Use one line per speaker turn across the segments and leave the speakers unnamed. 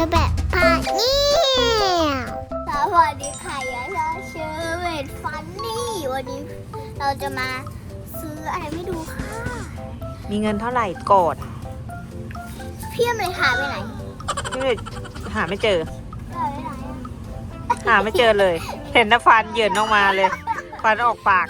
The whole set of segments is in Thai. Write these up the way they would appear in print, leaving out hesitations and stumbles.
แบบพาเนี่ยสวัสดีค่ะยาชาเชอร์เวทฟันนี่วันนี้เราจะมาซื้ออะไรไม่ดูค่ะ
มีเงินเท่าไหร่กด
พี่อเมริกาไปไหน
ไม่ได้หาไม่เจอ
ไปไหนอะ
หาไม่เจอเลย เห็นนะฟันเหยินออกมาเลย ฟันออกปาก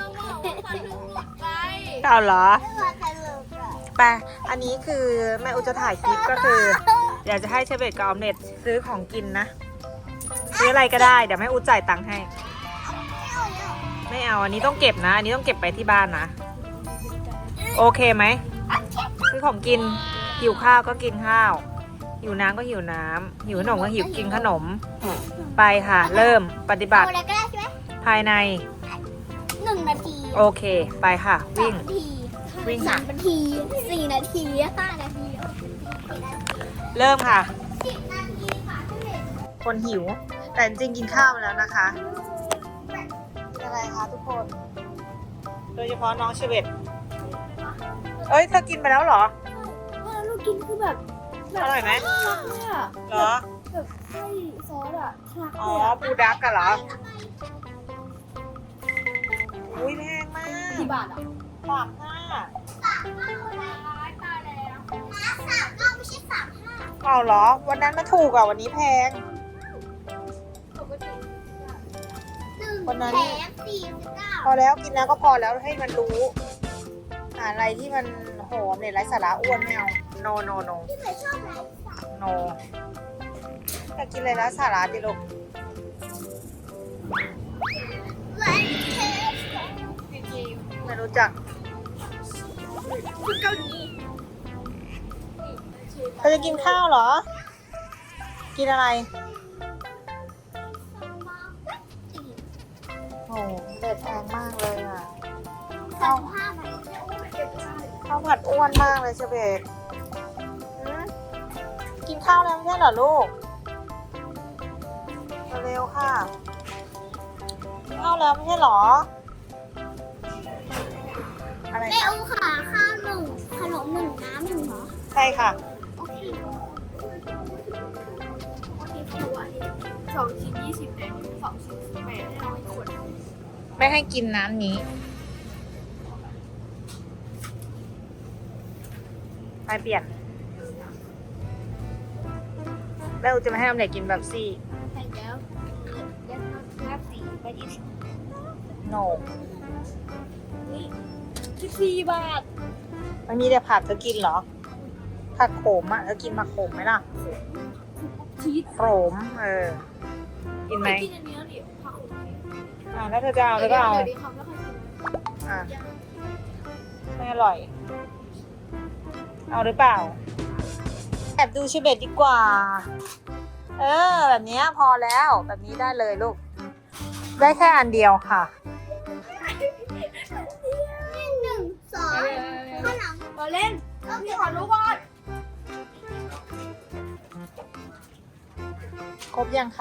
เอาเหรอ
ไม่มาตลกอะ
ไปอันนี้คือแม่อุจะถ่ายคลิปก็คือ อยากจะให้เชฟเบตกับออมเล็ตซื้อของกินนะซื้ออะไรก็ได้เดี๋ยวแม่อุจ่ายตังค์ให้ ไม่เอาอันนี้ต้องเก็บนะ อันนี้ต้องเก็บไปที่บ้านนะโอเคไหมซื้อของกินหิวข้าวก็กินข้าวหิวน้ำก็หิวน้ำหิวขนมก็หิวกินขนมไปค่ะ เริ่มปฏิบัติ
เอาอะไรก็ได้ใช่ไหม
ภายใน
1 นาที
โอเคไปค่ะ วิ่ง
2 นาที
วิ่งค่ะ
3 นาที 4 นาที 5 นาที
เริ่มค่ะ
10 นาทีค่ะพี่เมย์
คนหิว แต่จริงๆกินข้าวมาแล้วนะคะอะไรคะทุกคน โดยเฉพาะน้องเชเวตเอ้ยเธอกินไปแล้วเหรอ
เรากินคือแบบ
อร่อยไหม
คลักเลยอะ
เหรอ
แบบไส้ซอสอะคลัก
อ๋อ
เลยอะ
ปูดักกันเหรอ อุ้ยแพงมาก
กี่บาทอะ
35
ตายแล้ว39ไม่ใช่35
เอาเหรอ วันนั้นมันถูกอ่ะ วันนี้แพง
ปกติ
วันนั้น
1 แถม 49
พอแล้วกินแล้วก็พอแล้วให้มันรู้หาอะไรที่มันโหมเนี่ยไร้สาระอ้วนไม่เอา no no no
พี่เมย์ชอบอะไร
no อยากกินอะไรนะสาระดิลูก
ไลท์เทส
ไม่รู้จัก
คือเกาหลี
เธอจะกินข้าวเหรอ กินอะไร โอ้เด็ดแพงมากเลยอ่ะ
ข้าวผ้าไหม
ข้าวผัดอ้วนมากเลยเชเบตกินข้าวแล้วไม่ใช่เหรอลูก เร็วๆค่ะกินข้าวแล้วไม่ใช่เหรอ อะไร
แม่
คะ
อูค่ะข้าว1 ขนม1 น้ำ1เหรอ
ใช่ค่ะ
โอเคเพราะว่า
2 ชิ้น 20เนี่ย2 ชิ้น18ให้เราอีกขวด
ไม่ให้กินน้ำนี้ ไปเปลี่ยนแล้วจะไม่ให้ออมเล็ตกินแบบซี่
ใส่แล้วแล้วสีไปที่
โน
14 บาท
มันมีแต่ผักเธอกินเหรอ ผักโขมอ่ะเธอกินผักโขมไหมล่ะ
ชีส
โขมกินไหม
กินอันนี้แล้วดิผักขม
ถ้าเธอจะเอาเธอก็เอา
เดี๋ยวดิคำแล้วค่อยกิน
อ่ะไม่อร่อย เอาหรือเปล่า แอบดูชิเบตดีกว่า แบบนี้พอแล้ว แบบนี้ได้เลยลูก ได้แค่อันเดียวค่ะ
1 2ข้าวหลัง
เราเล่นพี่ขอรู้ก่อน
ครบยังคะ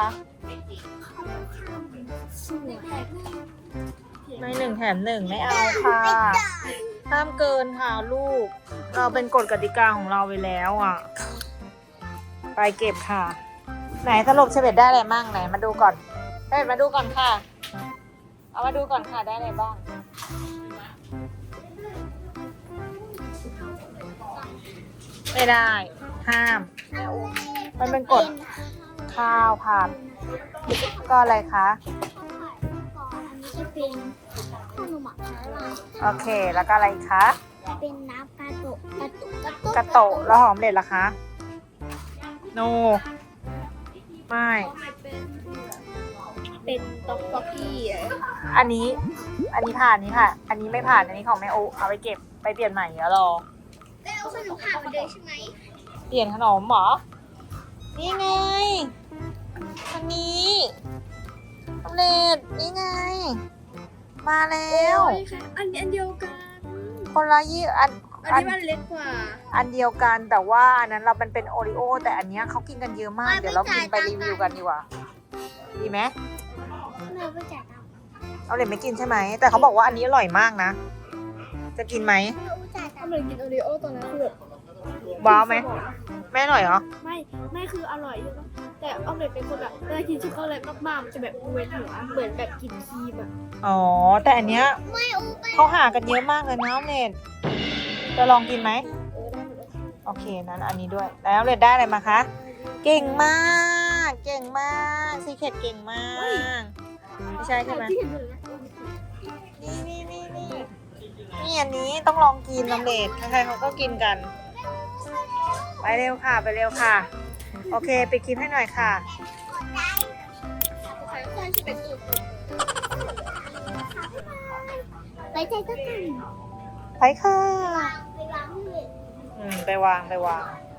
สวย
ไม่1 แถม 1ไม่เอาค่ะ ห้ามเกินค่ะลูก เราเป็นกฎกติกาของเราไปแล้วอ่ะ ไปเก็บค่ะ ไหนสรุปเชเบตได้อะไรบ้างไหนมาดูก่อนเชเบตมาดูก่อนค่ะ เอามาดูก่อนค่ะได้อะไรบ้าง ไม่ได้ ห้าม มันเป็นกฎข้าวผัดก็อะไรคะ
อันนี้จะเป็นขนมหมักน้ำลาย
โอเค แล้วก็อะไรอีกคะ
เป็นน้ำกาโตะ
กระโตะแล้วหอมเด็ดล่ะคะ โน ไม่
เป็นต๊อกต๊อกกี้
อันนี้ผ่านนี้ค่ะ อันนี้ไม่ผ่าน อันนี้ของแม่โอเอาไปเก็บไปเปลี่ยนใหม่เดี๋ยวรอ
แล้วเอาขนมผ่านมาเลยใช่ไหม
เปลี่ยนขนมเหรอ นี่ไง อันนี้ออมเล็ตนี่ไง มาแล้ว
อันเดียวกัน
คนละยี่อัน
อันนี้มันเล็กกว่า
อันเดียวกันแต่ว่าอันนั้นเราเป็นโอริโอแต่อันเนี้ยเขากินกันเยอะมาก เดี๋ยวเรากินไปรีวิวกันดีกว่า ดีไหม
แม่ไปจ่ายตังค์
เอาเลยไม่กินใช่ไหม แต่เขาบอกว่าอันนี้อร่อยมากนะ จะกินไหม
แม่อูจ่ายตั
ถ้าง
ค์
มันกินโอรีโอตอนนั้นคือแบบ
ว้าวไหมแม่หน่อยเหรอ
ไม่คืออร่อยใช่ปะแต่ออมเล็ตเป็นคนแบบเวลากินช็อกโกแลตมากๆมันจะแบบเวียนหัวเหมือนแบบกินครีมอะ
อ๋อแต่อันเนี้ย
ไม่อูไป
เขาหากันเยอะมากเลยนะออมเล็ตจะลองกินไหม โอเคนั้นอันนี้ด้วยแล้วออมเล็ตได้อะไรมาคะเก่งมากเก่งมากซีเคทเก่งมากไม่ใช่ใช่ไหม
ที่เห็นอยู่นะ
นี่อันนี้ต้องลองกินออมเล็ตใครๆเขาก็กินกัน ไปเร็วค่ะไปเร็วค่ะ โอเคไปคลิปให้หน่อยค่ะ
ใครที่เป็นตัว
ไปใจก็กัน
ไปค่ะ
ไปวางที่
ไปวาง